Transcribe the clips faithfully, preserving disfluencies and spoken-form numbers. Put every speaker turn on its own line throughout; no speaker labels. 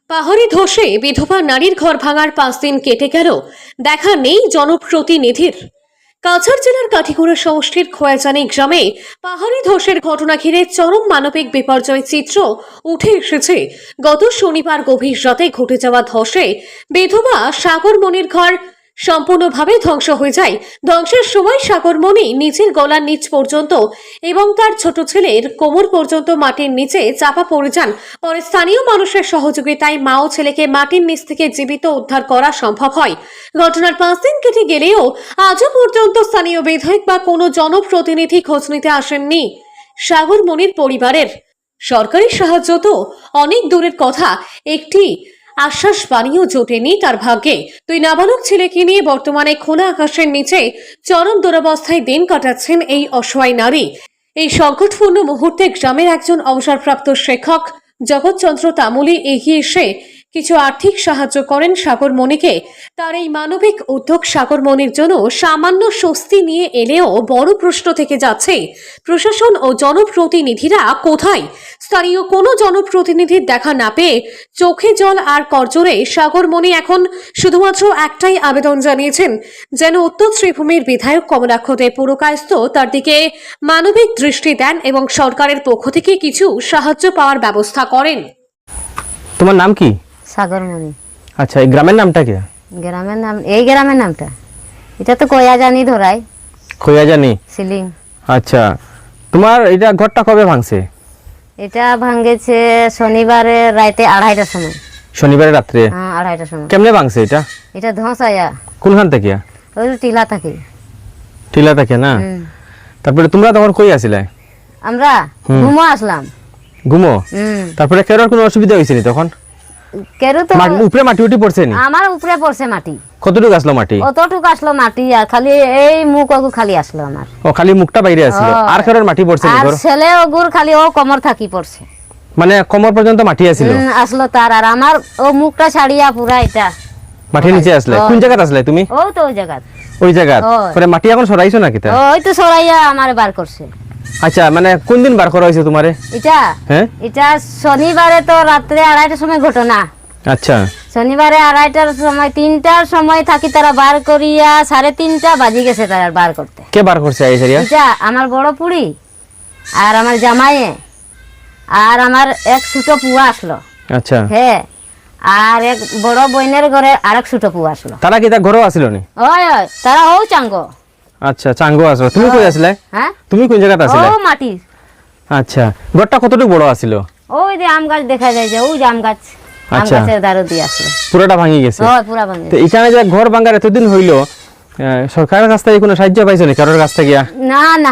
পাহাড়ি ধসে বিধবা নারীর ঘর ভাঙার পাঁচ দিন কেটে গেল, দেখা নেই জনপ্রতিনিধির। কাছাড় জেলার কাঠিগুড়া সমষ্টির খোয়াজানি গ্রামে পাহাড়ি ধসের ঘটনা ঘিরে চরম মানবিক বিপর্যয় চিত্র উঠে এসেছে। গত শনিবার গভীর রাতে ঘটে যাওয়া ধসে বিধবা সাগরমণির ঘর সম্পূর্ণভাবে ধ্বংস হয়ে যায়। ধ্বংসের সময় সাগরমণি নিচের গলার নিচ পর্যন্ত এবং তার ছোট ছেলের কোমর পর্যন্ত মাটির নিচে চাপা পড়ে যান। পরে স্থানীয় মানুষের সহযোগিতায় মা ও ছেলেকে মাটির নিচ থেকে জীবিত উদ্ধার করা সম্ভব হয়। ঘটনার পাঁচ দিন কেটে গেলেও আজও পর্যন্ত স্থানীয় বিধায়ক বা কোনো জনপ্রতিনিধি খোঁজ নিতে আসেননি সাগরমণির পরিবারের। সরকারি সাহায্য তো অনেক দূরের কথা, একটি আশ্বাস বাণীও জোটেনি তার ভাগ্যে। দুই নাবালক ছেলেকে নিয়ে বর্তমানে খোলা আকাশের নিচে চরম দুরবস্থায় দিন কাটাচ্ছেন এই অসহায় নারী। এই সংকটপূর্ণ মুহূর্তে গ্রামের একজন অবসরপ্রাপ্ত শিক্ষক জগৎচন্দ্র তামুলি এগিয়ে এসে কিছু আর্থিক সাহায্য করেন সাগরমণিকে। তার এই মানবিক উদ্যোগ সাগরমণির জন্য সামান্য স্বস্তি নিয়ে এলেও বড় প্রশ্ন থেকে যাচ্ছে, প্রশাসন ও জনপ্রতিনিধিরা কোথায়? স্থানীয় কোনো জনপ্রতিনিধির দেখা না পেয়ে চোখে জল আর করজোড়ে সাগরমণি এখন শুধুমাত্র একটাই আবেদন জানিয়েছেন, যেন উত্তর শ্রীভূমির বিধায়ক কমলাক্ষ দে পুরকায়স্থ তার দিকে মানবিক দৃষ্টি দেন এবং সরকারের পক্ষ থেকে কিছু সাহায্য পাওয়ার ব্যবস্থা করেন।
তোমার নাম কি?
সাগরমণি।
আচ্ছা, এই গ্রামের নামটা কি?
গ্রামের নাম, এই গ্রামের নামটা এটা তো কয়াজানি ধরাই,
খোয়াজানি
সিলিং।
আচ্ছা, তোমার এটা ঘরটা কবে ভাঙছে?
এটা ভাঙেছে শনিবারে রাতে আড়াইটার সময়।
শনিবারে রাত্রে?
হ্যাঁ, আড়াইটার সময়।
কেমনে ভাঙছে এটা?
এটা ধস আয়া।
কোনখান থেকে?
ওই টিলা থাকে।
টিলা থেকে না? তারপরে তোমরা তখন কই আছিলে?
আমরা ঘুমো আসলাম।
ঘুমো?
হুম।
তারপরে কেরোর কোনো অসুবিধা হয়েছে নি তখন?
কেরো তো
উপরে মাটি উঠি পড়ছে নি?
আমার উপরে পড়ছে মাটি।
কতটুকু আসলো মাটি?
অতটুকু আসলো মাটি, আর খালি এই মুখ ওগু খালি আসলো আমার।
ও, খালি মুখটা বাইরে আসলো? আর কেরোর মাটি পড়ছে নি?
আর ছেলে ওগুর খালি ও কোমর থাকি পড়ছে,
মানে কোমর পর্যন্ত মাটি আসলো?
আসলো তার, আর আমার ও মুখটা ছাড়িয়া পুরা এটা
মাটির নিচে আসলে। কোন জায়গায় আসলে তুমি?
ও তো ওই জায়গা।
ওই জায়গা? পরে মাটি এখন সরাইছো নাকি তা?
ওই তো সরাইয়া আমার বার করছে।
আচ্ছা, মানে কোন দিন বার করা হয়েছে তোমারে
এটা?
হ্যাঁ,
এটা শনিবারে তো রাত্রে আড়াইটার সময় ঘটনা।
আচ্ছা,
শনিবারে আড়াইটার সময়, তিনটার সময় থাকি তারা বার করিয়া সাড়ে তিনটা বাজি গেছে তারা বার করতে।
কে বার করছে এই সারিয়া?
এটা আমার বড় পুরি আর আমার জামাইয়ে আর আমার এক ছোট পুয়া আসলো।
আচ্ছা,
হ্যাঁ, আর এক বড় বোনের ঘরে আরেক ছোট পুয়া আসলো।
তারা কি তা ঘরও আসলো নি?
ওই ওই তারা ও চাঙ্গ।
আচ্ছা, চাঙ্গো আসলো। তুমি কই আসলে?
হ্যাঁ,
তুমি কোন জায়গাতে আসলে?
ও মাটি।
আচ্ছা, ঘরটা কতটুকু বড় আছিল?
ওই যে আম গাছ দেখা যায়, যে ওই যে আম গাছ, আম
আচ্ছা।
গাছের দাঁড়ো দিয়ে আসলো।
পুরোটা ভাঙি গেছে?
ওই পুরা ভাঙে।
তো এখানে যে ঘর ভাঙার এতদিন হইলো, সরকারের কাছ থেকে কোনো সাহায্য পাইছো নি? কারোর কাছ থেকে?
না না,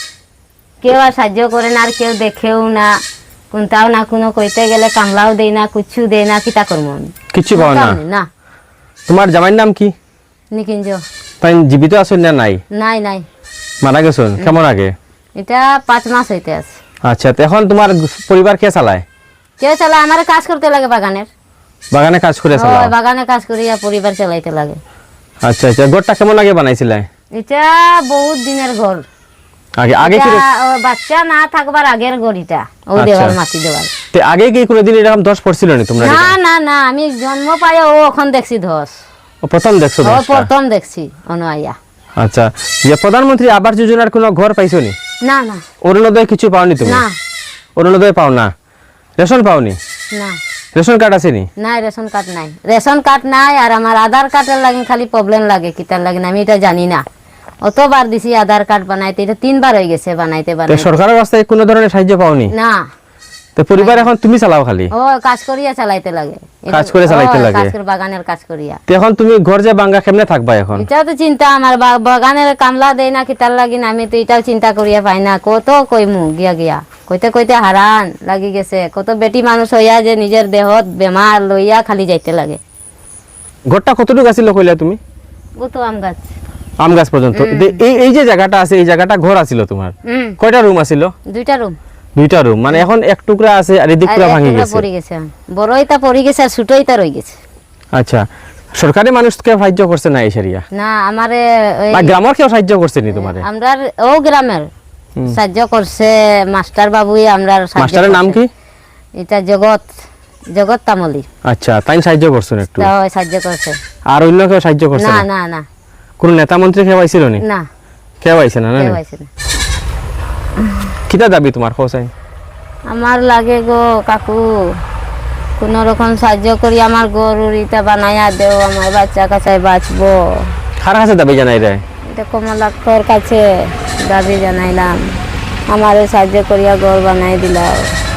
কেউ আর সাহায্য করে না, আর কেউ দেখেও না, কোনটাও না, কোনো কইতে গেলে কামলাও দেয় না, কুচ্ছু দেয় না, কিতা করবো আমি?
কিচ্ছু পাও না?
না।
তোমার জামাইয়ের নাম কি?
নিকিঞ্জ।
তাই জীবিত আছেন না নাই?
নাই নাই,
মারা গেছেন কেমন আগে?
এটা পাঁচ মাস হইতে আছে।
আচ্ছা, তো এখন তোমার পরিবার কে চালায়?
কেউ চালায়, আমার কাজ করতে লাগে বাগানের।
বাগানে কাজ করে চালাও?
ওই বাগানে কাজ করিয়া পরিবার চালাইতে লাগে।
আচ্ছা আচ্ছা, ঘরটা কেমন আগে বানাইছিলে?
এটা বহুত দিনের ঘর।
আগে আগে কি?
এটা, ও, বাচ্চা না থাকবার আগের ঘর এটা, ও দেওয়াল মাটি দেওয়াল।
তে আগে কি কোনোদিন এরকম ধস পড়ছিল না তোমরা?
না না না, আমি জন্ম পাই ও এখন দেখছি ধস।
ও প্রথম দেখছো
ও
ধসটা?
প্রথম দেখছি অনুয়াইয়া।
আচ্ছা, যে প্রধানমন্ত্রী আবাস যোজনার কোনো ঘর পাইছো নি?
না না
অরুণোদয় কিছু পাওনি তুমি?
না।
অরুণোদয় পাও না? রেশন পাওনি?
না
রেশন কার্ড আছে নি?
নাই, রেশন কার্ড নাই। রেশন কার্ড নাই, আর আমার আধার কার্ডের লাগে খালি প্রবলেম লাগে, কিতার লাগে না আমি এটা জানি না। অতবার দিছি আধার কার্ড বানাইতে, এটা তিনবার হয়ে গেছে বানাইতে
তো
বানাইতে।
সরকারের কাছ থেকে কোনো ধরনের সাহায্য পাওনি?
না।
তো পরিবার এখন তুমি চালাও খালি?
ও কাজ করিয়া চালাইতে লাগে।
কাজ করে চালাইতে
ও,
লাগে?
কাজ করে বাগানের কাজ করিয়া।
তো এখন তুমি ঘর যে ভাঙা কেমনে থাকবা এখন?
এটা তো চিন্তা আমার, বা- বাগানের কামলা দেয় না, কিতার লাগি না আমি তো এটাও চিন্তা করিয়া পাই না। কত কইমু গিয়া গিয়া কইতে কইতে হারান লাগি গেছে। কত বেটি মানুষ হইয়া যে নিজের দেহত বেমার লইয়া খালি যাইতে লাগে।
ঘরটা কতটুকু আছিল কইলা তুমি?
ও তো আম গাছ।
আম গাছ পর্যন্ত? এই এই যে জায়গাটা আছে, এই জায়গাটা ঘর আছিল তোমার?
হুম,
কয়টা রুম আছিল?
দুইটা রুম।
দুইটা রুম, মানে এখন এক টুকরা আছে আর এদিক পুরো ভাঙি গেছে?
পড়ে গেছে, বড়ইটা পড়ে গেছে আর ছোটইটা রই গেছে।
আচ্ছা, সরকারি মানুষকে সাহায্য করছে না এই সারিয়া?
না, আমারে ওই
বা গ্রামের কেউ সাহায্য করছে নি তোমারে?
আমরার ও গ্রামের সাহায্য করছে মাস্টার বাবুই। আমরার সাহায্য
মাস্টারের নাম
করছে।
কি?
এটা জগৎ জগৎ তামলি
আচ্ছা তাই সাহায্য করছেন একটু
তাও সাহায্য করছে
আর অন্য কেউ সাহায্য করছে
না
না
না না
কোন নেতা মন্ত্রী কেউ আইছিল নি
না
কেউ আইছে না না
কেউ আইছে না।
কিটা দাবি তোমার কোসাই
আমার লাগে গো কাকু কোন রকম সাহায্য করি আমার গরুর ইটা বানায়া দেও আমার বাচ্চা কাছে বাঁচবো
কার কাছে দাবি জানাই রে
এটা কমলাক্ষর কাছে দাবি জানাইলাম আমারও সাহায্য করিয়া ঘর বানাই দিলাও